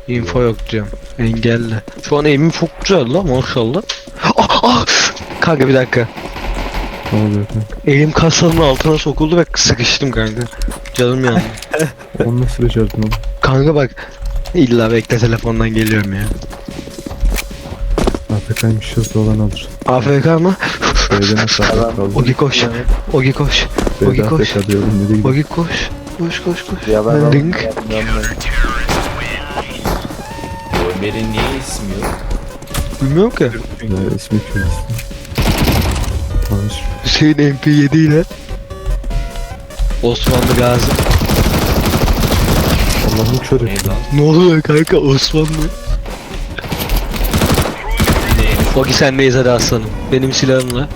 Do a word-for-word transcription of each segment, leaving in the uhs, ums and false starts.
Info yok diyorum. Engelle. Şu an aim'im çok güzel la maşallah. Ah ah! Kanka bir dakika. Ne oluyor kanka? Elim kasanın altına sokuldu ve sıkıştım kanka. Canım yandı. Onu nasıl becerdin oğlum? Kanka bak. İlla bekle telefondan geliyorum ya. A F K'ymış hızlı olan alır. A F K mı? B'de nasıl A F K kaldı? Ogi koş. Ogi koş. Ogi B'de koş. A F K diyorum. Nereye gidiyor? Ogi koş. Koş koş koş. Ya ben Link. Ömer'in niye ismi yok? Bilmiyorum ki. Ya ismi köy ismi. Tanış. Hüseyin M P yedi ile Osmanlı Gazi. Allah'ım kör et. Neydi lan? Ne oluyor kanka Osmanlı? Neymiş? Ogi sendeyiz hadi aslanım. Benim silahımla.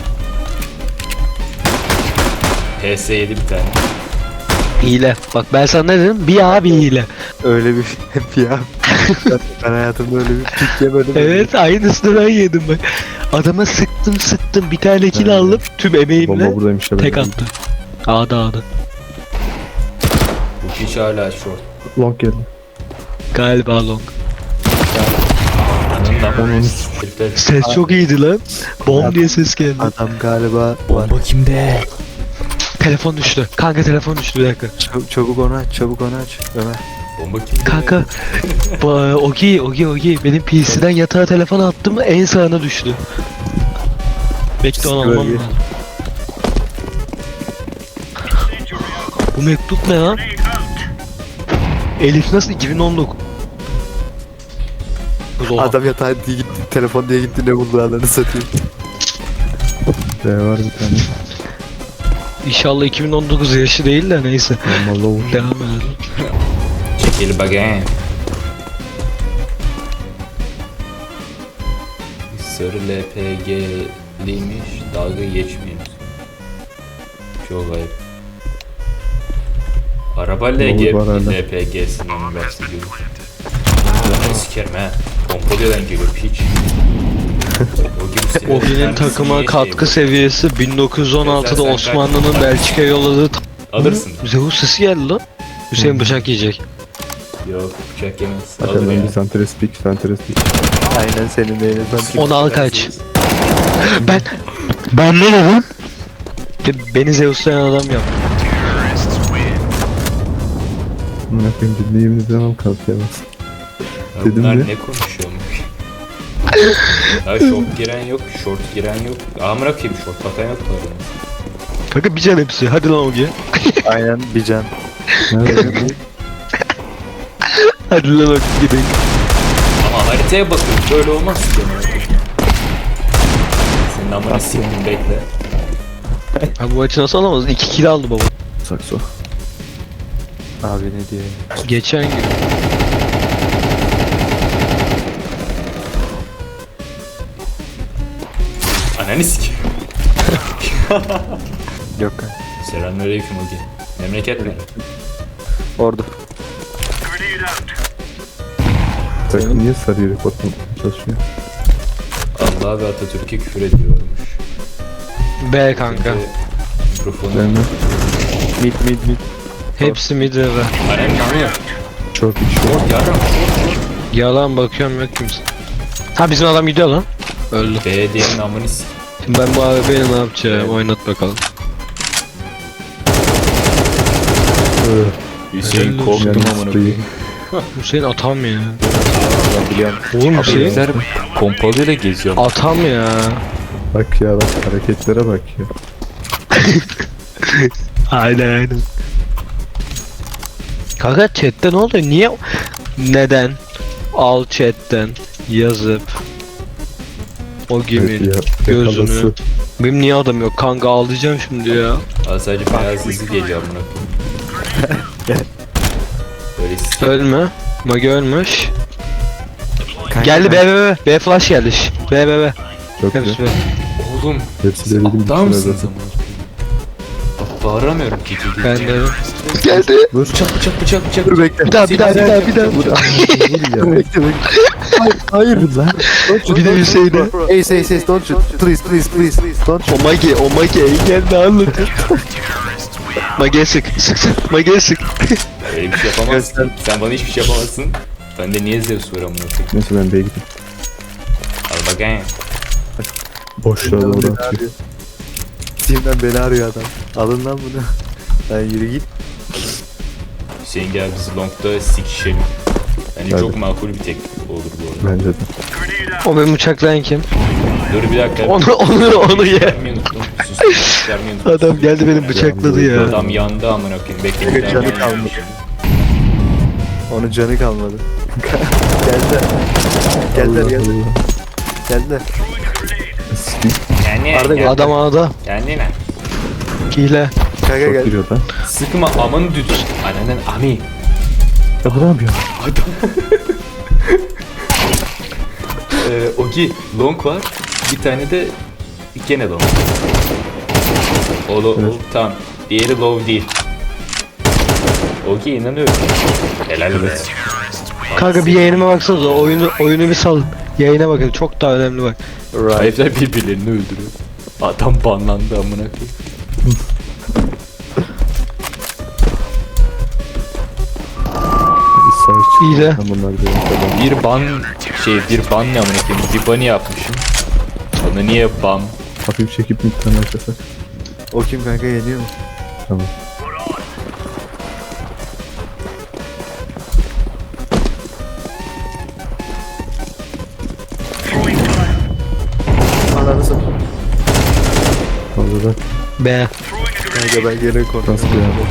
P S yedi bir tane. Hile. Bak ben sana ne dedim? Bir abi hile. öyle bir hep ya. ben, ben hayatımda öyle bir pik yemedim. Evet aynısını ben yedim bak. Adama sıktım sıktım bir tane kill Evet. aldım tüm Bomba emeğimle buradaymış ya. tek attı. Ağda ağda. Bu kişi hala short. Long geldi. Galiba long. Anından Onun herifler. Ses çok iyiydi lan. Bom diye ses geldi. Adam galiba var. Bomba kimde? Telefon düştü. Kanka telefon düştü bir dakika. Çabuk, çabuk onu aç, çabuk onu aç. Ömer. Bomba kimde? Kanka. Ba- Ogi Ogi Ogi. Benim P C'den yatağa telefon attım en sağına düştü. Bekle onu almam Bölge. lazım. Bu mektup ne lan? Elif nasıl iki bin on dokuz? Oha. Adam yatağa diye gitti, telefon diye gitti ne buldu adını satayım. B var bir tane. İnşallah iki bin on dokuz yaşı değil de neyse. Normal low. Devam edelim. Çekil bakayım. Sarı L P G'liymiş. Dalga geçmeyin. Çok ayıp. Araba L G, Olur, var hala. L P G'sinden bahsediyorum. Bunu sikerim he. Pompalyodan geliyor piç. O Ogi'nin takıma katkı seviyesi bin dokuz yüz on altıda Sen- sen- Osmanlı'nın Belçika'ya yolladığı t- Alırsın. Zeus sesi geldi lan. Hüseyin bıçak yiyecek. Yok bıçak yemez. Alır Arkadan ya. bir santres pik, santres pik. Aynen senin de yine sanki. Onu al kaç. Ben ben ne dedim? Be- Beni Zeus'layan adam yap. Amına koyayım dinleyeyim dedim ama kalkayamaz. Ya Dedim bunlar mi? ne konuşuyormuş? Ya short giren yok, short giren yok. Amına koyayım short bakan yok mu adamın? Kanka bir can hepsi. Hadi lan Ogi. Aynen bir can. Nerede? Hadi lan Ogi gidelim. Ama haritaya bakın böyle olmaz ki. amına koyayım. Senin amına siktim bekle. Ha bu maçı nasıl alamadın? İki kill aldı baba. Sakso. Abi ne diyor ya? Geçen gün. Ananı sikeyim. Yok kanka. Selamünaleyküm Ogi. Memleket mi? Orada. Takım niye sarı report çalışıyor? Allah ve Atatürk'e küfür ediyormuş. B kanka. Çünkü Mikrofonu. Ben mi? Mid mid mid. Hepsi mid ve. Ananı kanıyor. Short iç short. Yarram. Yalan bakıyorum yok kimse. Ha bizim adam gidiyor lan. Öldü. B diyenin amını sikeyim. Şimdi ben bu abi beni ne yapacağım? Oynat bakalım. Hüseyin Helal korktum olsun. amına koyayım. Hüseyin atam ya. Ben biliyorum. Oğlum Hüseyin Bizler pompalıyla geziyor. atam ya. Bak ya bak hareketlere bak ya. Aynen aynen. Kanka chatte ne oluyor? Niye? Neden? Al chatten yazıp o Evet geminin ya. gözünü. Yakalası. Benim niye adam yok? Kanka ağlayacağım şimdi ya. Aa, sadece beyaz izi geliyor amına koyayım. Böyle sikeyim. Ölme. Magi ölmüş. Kanka, Geldi B B B. B flash geldi. şş. B B B. Çok Hepsi güzel. B. Oğlum. Hepsi de dedim Aptal bütüne mısınız zaten. amına koyayım? Bak bağıramıyorum ki. Ben de. Geldi. Vur. Bıçak bıçak bıçak bıçak. Dur bekle. Bir daha bir daha bir daha bir daha. Vur ya. Bekle bekle. Hayır, hayır lan. Don't shoot, Bir de don't Hüseyin'e. shoot. Ace ace ace don't shoot. Please please please please don't shoot. O Magi, o Magi geldi anlatır. Magi'ye sık, sık sık, Magi'ye sık. Öyle bir şey yapamazsın. Sen bana hiçbir şey yapamazsın. Ben de niye Zeus var amına koyayım? Neyse ben B'ye gideyim. Al bakayım. Boşluğa doğru Beni atıyor. arıyor. Steam'den beni arıyor adam. Alın lan bunu. Lan yürü git. Hüseyin gel biz longda sikişelim. Bence Hadi. çok makul bir teklif olur bu arada. Bence de. O benim bıçaklayan kim? Dur bir dakika. Onu onu onu ye. Göstermeyi unuttum. Sus. Göstermeyi unuttum. Adam geldi benim bıçakladı ya. Adam yandı amına koyayım. Bekle bir daha Canı ben kalmadı. yapayım. Onun canı kalmadı. Geldiler. Geldiler Allah geldiler. Allah. Geldiler. Sikeyim. Yani Arda gel. Adam ağda. Yani ne? Hile. Kanka Çok gel. giriyor lan. Sıkma amın düdük. Ananın ami. Ya bu ne yapıyor? Ee, Ogi long var. Bir tane de gene long. O, lo, Evet. o tamam. Diğeri low değil. Ogi inanıyorum. Helal be. Kanka bir yayınıma baksanıza oyunu oyunu bir salın. Yayına bakın çok daha önemli bak. Right. Herifler birbirlerini öldürüyor. Adam banlandı amına koyayım. Bir savaş İyi de. çıkıyor. Bunlar diyor. Tamam. Bir ban şey bir ban ne amına koyayım? Bir bunny yapmışım. Onu niye ban? Hafif çekip midden başlasak. O kim kanka yeniyor mu? Tamam. Ananı satayım. Fazla da B. Kanka ben geri korktum. nasıl yani?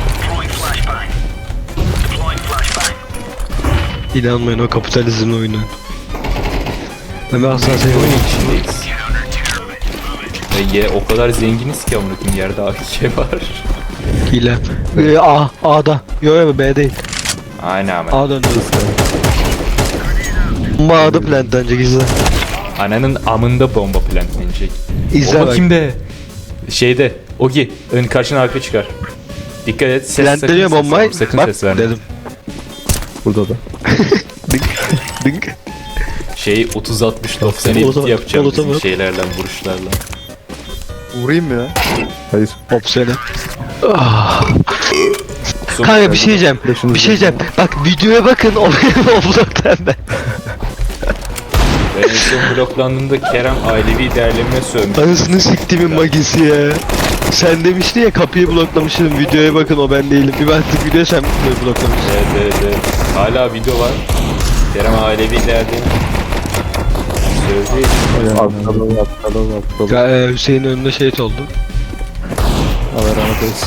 İnanmayın o kapitalizmin oyunu. Ben asla seni Oyun oynayayım. içindeyiz. Ve ye, o kadar zenginiz ki amına koyayım yerde A K var. Hile. Ee, A. A'da. Yo yo B değil. Aynen ama. A döndü. Bomba A'da plantlanacak izle. Ananın amında bomba plantlenecek. İzle O bak. bakayım be. Şeyde. Ogi. Ön karşına arka çıkar. Dikkat et. Ses Plantleniyor sakın ses bombayı. verme, Sakın Bak ses verme. dedim. Burada da. Dink. Dink. Şey otuz altmış doksan Olata bak, edit yapacağım olata bizim bak. şeylerle vuruşlarla. Vurayım mı lan? Hayır. Hop seni. Ah. Son- Kanka bir şey diyeceğim. Başınız Bir şey diyeceğim. Bak videoya bakın o benim o bloktan ben. Ben en son bloklandığımda Kerem ailevi değerlenme sövmüş. Anasını siktimin magisi ya. Sen demiştin ya kapıyı bloklamışsın videoya bakın o ben değilim. Bir baktık video sen bloklamışsın. Evet evet evet. Hala video var. Kerem ailevi değerlenme. Sövdü. Aptal aptal aptal. Ya, e, Hüseyin önünde şehit oldu. Allah rahmet eylesin.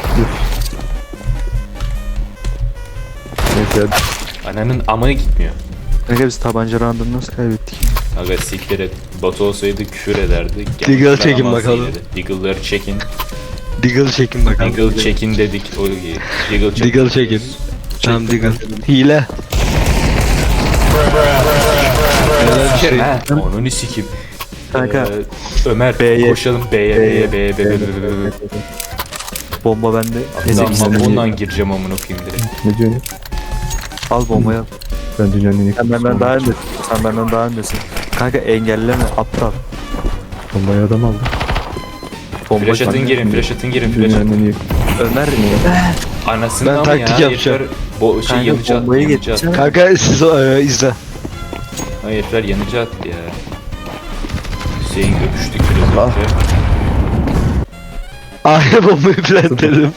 Neyse hadi. Ananın amına gitmiyor. Kanka biz tabanca round'unu nasıl kaybettik? Aga siktir et. Batu olsaydı küfür ederdi. Diggle çekin Yaramaz bakalım. iyiydi. Diggle'ları çekin. Diggle çekin bakalım. Diggle çekin dedik. O iyi. Diggle çekin. Diggle çekin. Tamam Diggle. Hile. Şey, ha, onu sikim. Kanka Ee, Ömer B'ye. koşalım B'ye B'ye B'ye B'ye B'ye B'ye. bomba bende. Tamam Ezek ondan gireceğim amına koyayım direkt. Ne diyorsun? al bombayı al. Ben dünyanın en iyi Sen benden daha öndesin. Sen benden daha öndesin. Kanka engelleme aptal. Bombayı adam aldı. Bomba Flash atın kanka. girin, flash atın girin, flash Dünyanın atın. en iyi. Ömer Anasını Ben ama taktik ya, yapacağım. herifler bo şey Kanka, yanıcı bombayı attı, yanıcı attı. getireceğim. Kanka siz e, izle. Hayır herifler yanıcı attı ya. Hüseyin öpüştük biraz Allah. önce. A'ya bombayı plantledim.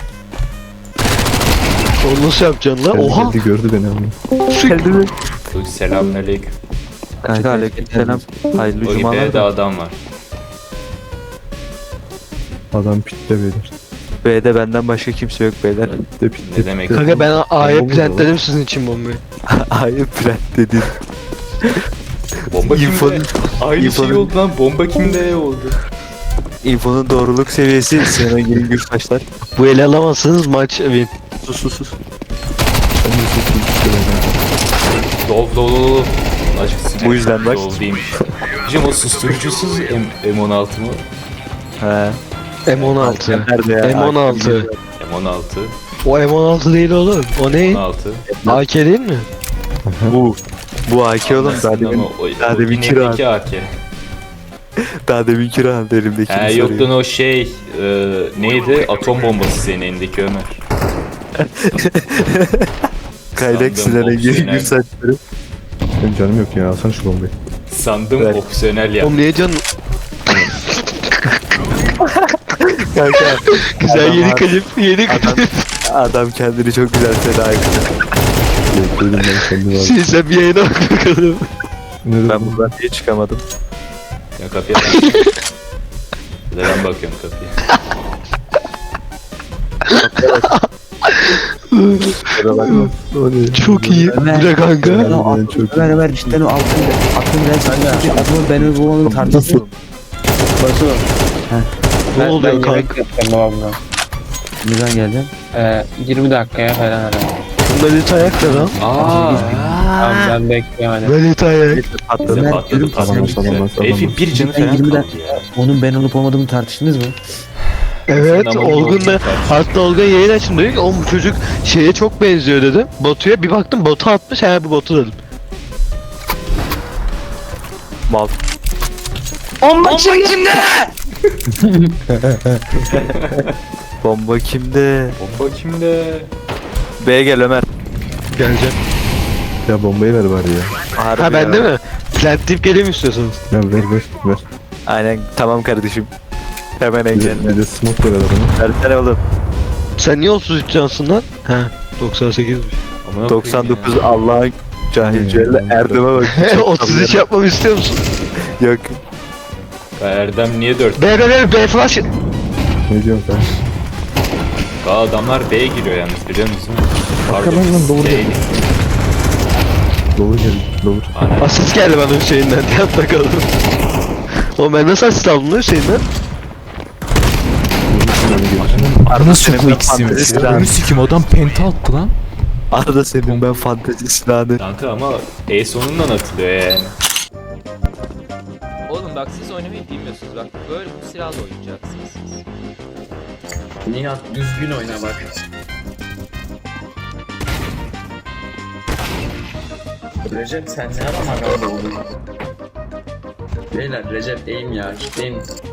Onu nasıl yapacaksın lan? Geldi, Oha! geldi, gördü beni ama. geldi mi? Selamünaleyküm. Kanka aleykümselam. Hayırlı O cumalar B'de da. adam var. Adam pitte beyler. B'de benden başka kimse yok beyler. Pitte pitte. Ne demek? pitte. Kanka ben A'ya Bomba da plantledim sizin için bombayı. Hayır plant dedin. Bomba kimde? İnfonun- Aynı şey İnfonun- oldu lan. Bomba kimde oldu? İnfonun doğruluk seviyesi Sinan Engin Gürtaşlar. Bu ele alamazsanız maç win. Sus sus sus. Ben de çok iyi pitte beyler. Dol dol dol. Azıcık sinir. Bu yüzden bak. Dol değilmiş. Hocam o susturucusuz M M16 mı? He. M on altı. Nerede ya? M on altı. M on altı. O M on altı değil oğlum. O ne? on altı. A K değil mi? Bu. Bu A K oğlum daha demin, Ama o, daha o demin inekteki kira. A K. daha demin kira aldı elimdeki. He yok lan o şey e, neydi? Atom bombası senin elindeki Ömer. Skylex Sandım, Sinan'ın geri opsiyonel. gür saçları. Benim canım yok ya. Alsana şu bombayı. Sandım Evet. opsiyonel ya. Oğlum niye canım? Kanka Güzel Adam yeni var. klip, yeni adam, klip. adam kendini çok güzel feda etti. Bekledim ben kendi var. Şimdi sen bir yayına bak bakalım. Ne Ben buradan niye çıkamadım? Ya kapıya bak. Bir de ben bakıyorum kapıya. Kusura bakma. Çok iyi. Ömer. Bir de kanka. Ben o Ben altın, çok- Ömer Ömer cidden o altın altın renk adamı ben bu onun tartışıyor. Batu. Ne Ben, oluyor ben kanka? yemek yapacağım babamla. Ne zaman geldin? Ee, yirmi dakikaya falan herhalde. Melit ayak ne lan? Aa. Tamam ben bekliyorum hadi. Melit ayak. Patladı. Bize Ömer, patladı diyorum ki patladı. sen- Tamam, tamam, tamam. Herifin bir canı Ben falan yirmi kaldı dakika- ya. Onun ben olup olmadığını tartıştınız mı? Evet, Sen ama Olgun da Olgun hatta Olgun yayın açın diyor ki oğlum bu çocuk şeye çok benziyor dedim. Batu'ya bir baktım botu atmış, he bu botu dedim. Mal. Bomba kimde? Bomba kimde? B'ye gel Ömer. Geleceğim. Ya bombayı ver bari ya. Harbi Ha bende ya. mi? Plant deyip geleyim istiyorsanız. Ya ver ver ver. Aynen tamam kardeşim. Hemen Bir de, engelle. bir de smoke ver adamı. Versene oğlum. Sen niye otuz üç cansın lan? He doksan sekizmiş. Amına doksan dokuz koyayım ya. Allah'ın cahilceyle Hmm. Erdem'e bak. otuz üç yapmamı istiyor musun? Yok. Ya Erdem niye dört? B B B B flash. Ne diyorsun sen? Aa, adamlar B'ye giriyor yalnız biliyor musun? Arkadan lan, doğru Şey- geldi. Doğru gel. Doğru. Ana. Asist geldi bana Hüseyin'den. Yat bakalım. Oğlum ben nasıl asist aldım lan Hüseyin'den? Arada senin ben fantezi silahını. sikim adam penta attı lan. Arada senin ben fantezi silahını. Kanka ama E sonundan atılıyor yani. Oğlum bak siz oynamayı bilmiyorsunuz bak böyle bu silahla oynayacaksınız siz. Nihat düzgün oyna bak. Recep sen ne ara maganda oldun? Beyler Recep eğim ya, kitleyim.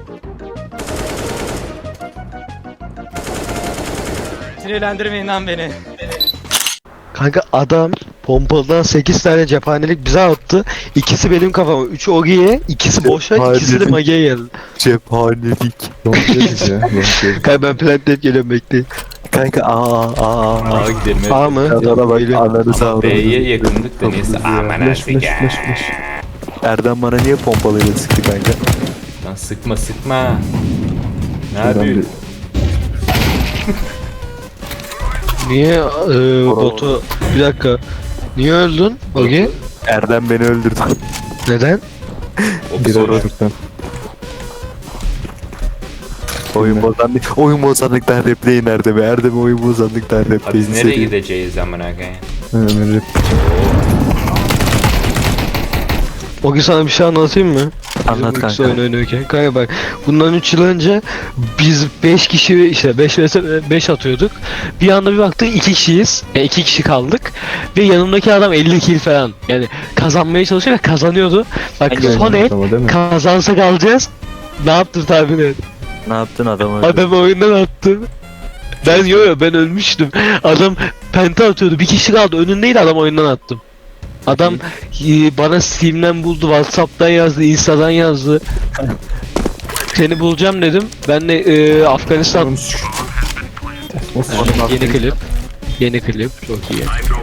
Sinirlendirmeyin lan beni. Kanka adam pompalıdan sekiz tane cephanelik bize attı. İkisi benim kafama. üçü Ogi'ye, ikisi boşa, ikisi de Cephanelik. Mage'ye geldi. Cephanelik. Long geliriz ya. Long geliriz. Kanka ben plant deyip geliyorum bekleyin. Kanka aa aa aa. Aa gidelim. evet. A mı? Kadına bak Geliyorum. ananı Ama sağ B'ye yakındık da neyse. Aman Flash artık flash ya. flash flash. Erdem bana niye pompalıyla sıktı kanka? Lan sıkma sıkma. Ne Şuradan yapıyorsun? Niye e, botu... Bir dakika. Niye öldün Ogi? Erdem beni öldürdü. Neden? Bir Opsiyonel. aralıktan. Oyun bozanlık. Oyun bozanlıktan repleyin Erdem'i. Erdem'i oyun bozanlıktan Abi repleyin. biz nereye gideceğiz amına koyayım? Ömer rap. Ogi sana bir şey anlatayım mı? Anlat Bizim ikisi kanka. oyun oynuyorken. Kanka bak bundan üç yıl önce biz beş kişi işte beş beş atıyorduk. Bir anda bir baktık iki kişiyiz. Yani iki kişi kaldık. Ve yanımdaki adam elli kill falan. Yani kazanmaya çalışıyor ve kazanıyordu. Bak son el Ama değil mi? kazansak alacağız. Ne yaptın tahmin et? Ne yaptın adam öldü? Adam oyundan attı. Ben yo yo ben ölmüştüm. Adam penta atıyordu. Bir kişi kaldı. Önündeydi adam oyundan attım. Adam e, bana Steam'den buldu, WhatsApp'tan yazdı, Insta'dan yazdı. Seni bulacağım dedim. Ben de e, Afganistan yeni klip. Yeni klip çok iyi.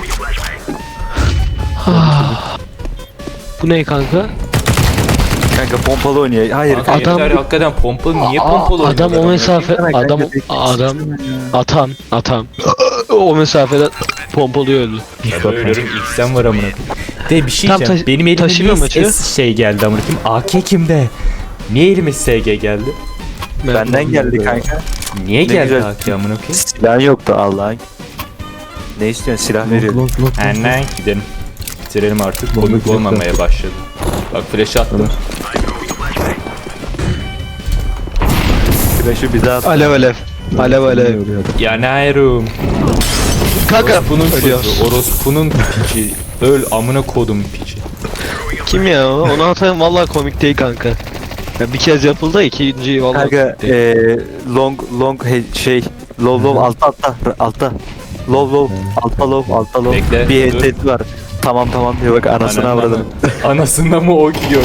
Ah. Bu ne kanka? Kanka pompalı oynuyor. Hayır Kanka kanka. Adam- herifler hakikaten pompalı niye Aa, pompalı adam o oynuyorlar? mesafe adam adam atam atam o mesafeden pompalıyor öldü. Ya böyle ölürüm ilk sen var amına koyayım. De bir şey Tam diyeceğim. taşı- Benim elime taşımıyor niye maçı. S şey geldi amına koyayım? A K kimde? Niye elime S G geldi? Benden geldi kanka. Niye Ne geldi güzel. A K amına koyayım? Silahın yoktu Allah'ın. Ne istiyorsun silah Long veriyorum. long long. Annen gidelim. Bitirelim artık. Bomba Komik güzel olmamaya başladı. Bak flash attım. Flash'ı bize at. Alev alev. Alev alev. Yanıyorum. Kanka Orospu'nun ölüyoruz. sözü. Orospu'nun piçi. Öl amına kodum piçi. Kim ya o? Onu atayım vallahi komik değil kanka. Ya bir kez yapıldı ikinci vallahi Kanka komik değil. eee long long he- şey low low altta altta altta. Low low. Altta low. Altta low. Bekle, Bir dur. headset var. Tamam tamam diyor bak anasını Anasına avradım. mı? Anasına mı o gidiyor?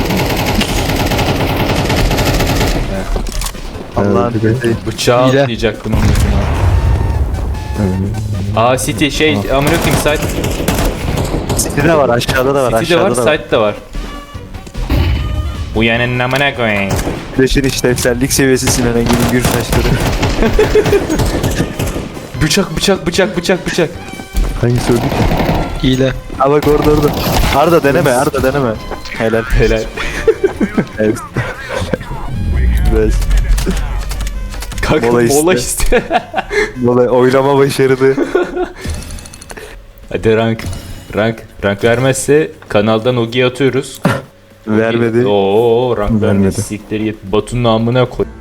Allah'ın Evet, dediği. Bıçağı İle. atlayacaktım onun üstüne. Aa City şey amına koyayım site. City'de var aşağıda da var City'de var, aşağıda da var. site de var. Uyanın amına koyayım. Flash'in işlevsellik seviyesi Sinan Engin'in gür saçları. Bıçak bıçak bıçak bıçak bıçak. Hangisi öldü ki? Hile. Ha bak orada orada. Arda deneme Arda deneme. Helal. Helal. Evet. Evet. Kanka Mola mola iste. iste. Olay oylama başarılı. Hadi rank. Rank. Rank vermezse kanaldan Ogi'ye atıyoruz. Vermedi. Oo rank Vermedi. vermedi. Sikleri yet. Batu'nun amına koy.